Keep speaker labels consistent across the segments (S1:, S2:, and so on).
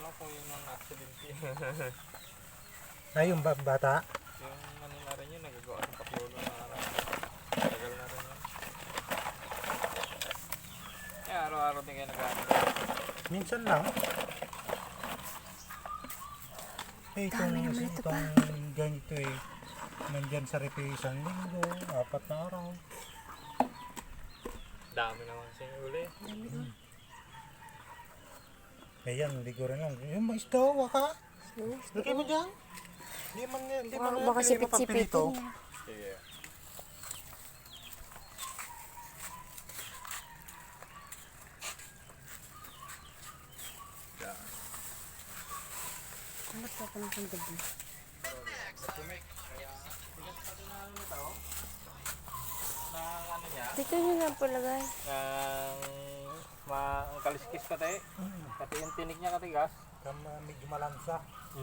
S1: Akala ko yun ang accident yun.
S2: Ay, yung bata.
S1: Yung ano na rin yun, nagagawa ng paklolo na tagal na rin yun. Kaya araw-araw din kayo nag-ano.
S2: Minsan lang. Eh,
S3: Dami naman ito pa.
S2: itong ganito eh. Nandyan sa repi isang linggo, 4 na araw.
S1: Dami naman sa uli.
S2: Eh yan, hindi ko rin lang. Yung mais daw, waka. Lagay mo dyan. Hindi man
S3: Baka sipit-sipitin niya.
S1: Sige.
S3: Ano pa pa ng gabi?
S1: Ano niya?
S3: Dito nyo lang palagay.
S1: Ang kaliskis ka tayo. Pati yung tinig niya katigas.
S2: Medyo malansa.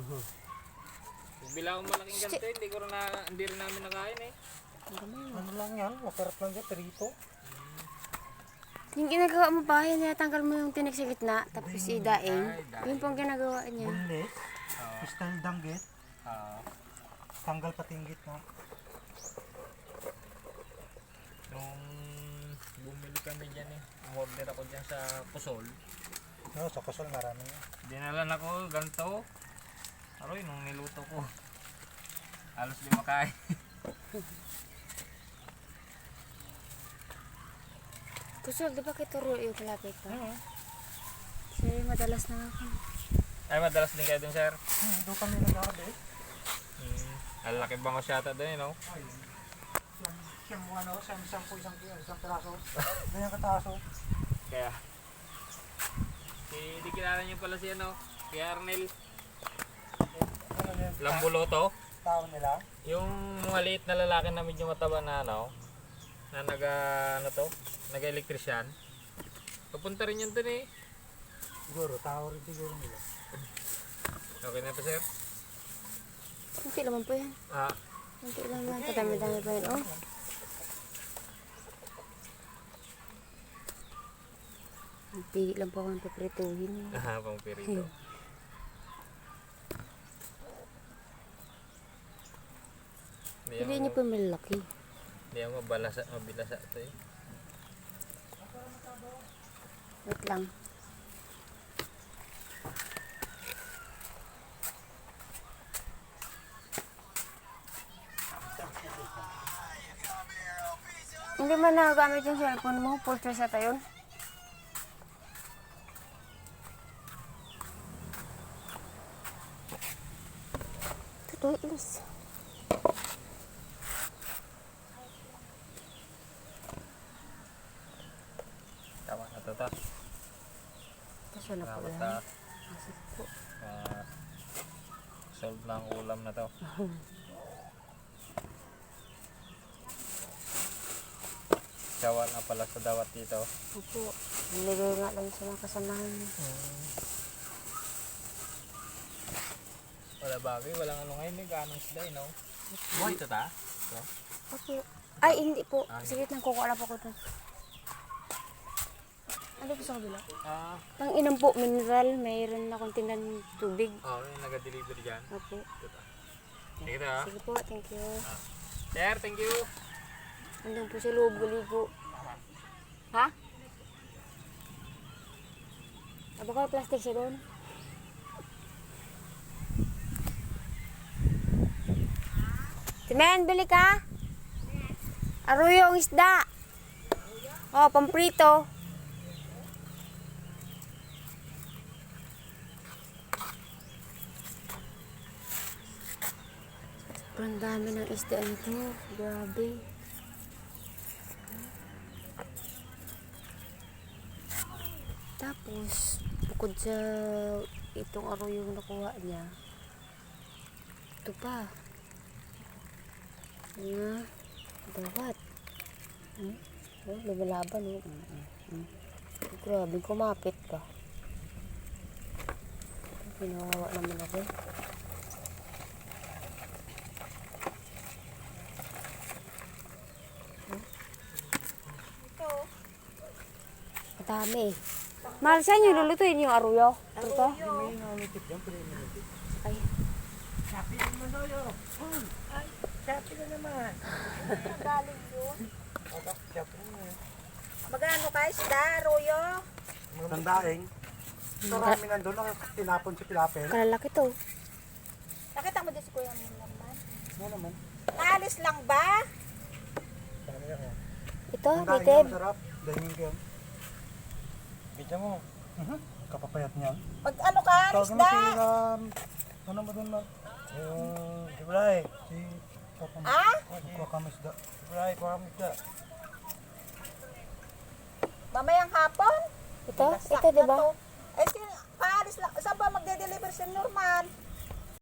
S1: Bila akong malaking ganito, hindi rin namin nakain eh.
S2: Ano lang yan, masarap lang yan, perito.
S3: Yung ginagawa mo ba, yan tanggal mo yung tinik sa gitna, tapos idaing. Yun pong ginagawa niya.
S2: Bunlit, style danggit,
S1: Ah.
S2: tanggal pati yung gitna.
S1: Nung bumili kami dyan eh, umorder ako dyan sa Pusol.
S2: No, sa kusol marami yan.
S1: Dinalan ako ganito. Aroy, nung niluto ko. Halos di makain.
S3: Kusol, di ba kay Turo yung kalapit pa? Kasi madalas na ako.
S1: Ay, madalas din kayo dun, sir.
S2: Doon kami nag-arabe.
S1: Ang laki bang syata dun, you know?
S2: Siyam mo ano, isang piraso. Ganyan kataso.
S1: Kaya, di kilala niyo pala si ano, si Arnel
S2: Ano yan?
S1: Lambuloto.
S2: Tao nila.
S1: Yung maliit na lalaki na medyo mataba na ano, na nag-electrician. Papunta rin yun dun eh.
S2: Siguro, tao rin siguro nila.
S1: Okay na pa, sir?
S3: Kunti naman po yan.
S1: Ah,
S3: Kunti lang yan. Kadami-dami pa yan. Oh. Pili lang po akong paprituhin.
S1: pang pirito.
S3: Pili niyo po yung malaki.
S1: Hindi yan mabilasa ito eh.
S3: Wait lang. Hindi man nagagamit yung cellphone mo, full charge ata yun. Totoo, ilis.
S1: Tama na ito ta.
S3: Tapos wala po
S1: Salamat
S3: lang.
S1: ta.
S3: Asik po.
S1: Solve na ang ulam na to. Sawa na pala sa dawat dito.
S3: Opo. Nilagay nga lang sa mga kasamahan.
S1: Wala bagay, walang ano ngayon eh, ganong sila eh, no? Buhay ito ta? Ito?
S3: Opo. Ay, hindi po. Sige lang, kukuha po ko doon. Ano po sa kabila? Pang inom po, mineral. Mayroon na akong tindan tubig.
S1: Oo, yung nag-deliver dyan.
S3: Opo.
S1: Ito ta. Sige ta.
S3: Sige po, thank you.
S1: Sir, thank you.
S3: Andun po sa loob, galigo. Ha? Baka plastic siya doon. Timen, bili ka? Arroyo ang isda. Oh, pamprito. Sobrang dami ng isda nito. Grabe. Tapos, bukod sa itong arroyo yung nakuha niya, ito pa. Dawat. Oh, lumalaban, oh. Grabe, kumapit ka. Pinawawa naman ako. Madami. Mahal sa inyo, lulutuin yung aruyo. Ito?
S2: May nanitip yan, pwede yung nanitip.
S3: Ay.
S4: Galing yun.
S2: Shopping na yan.
S4: Magano ka isda, Royo?
S2: Tandaing. Marami nandun ang tinapon si Pilapel.
S3: Kalalaki to.
S4: Nakita mo din si Kuya mo naman.
S2: Ano naman?
S4: Naalis lang ba?
S2: Dami yan.
S3: Ito,
S2: Tandaing yan,
S3: native.
S2: masarap. Daingin ko yan. Bidya mo. Kapapayat niyan.
S4: Mag ano ka,
S2: Tawag mo
S4: isda?
S2: si, ano ba doon na? Si Bray. Si Papa mo.
S4: Ha?
S2: Kuha kami isda. Si Bray, kuha kami isda.
S4: Mamayang hapon?
S3: Ito,
S4: Lasak
S3: ito, di
S4: na
S3: ba?
S4: to. Eh, paalis lang. Saan ba magde-deliver si Norman?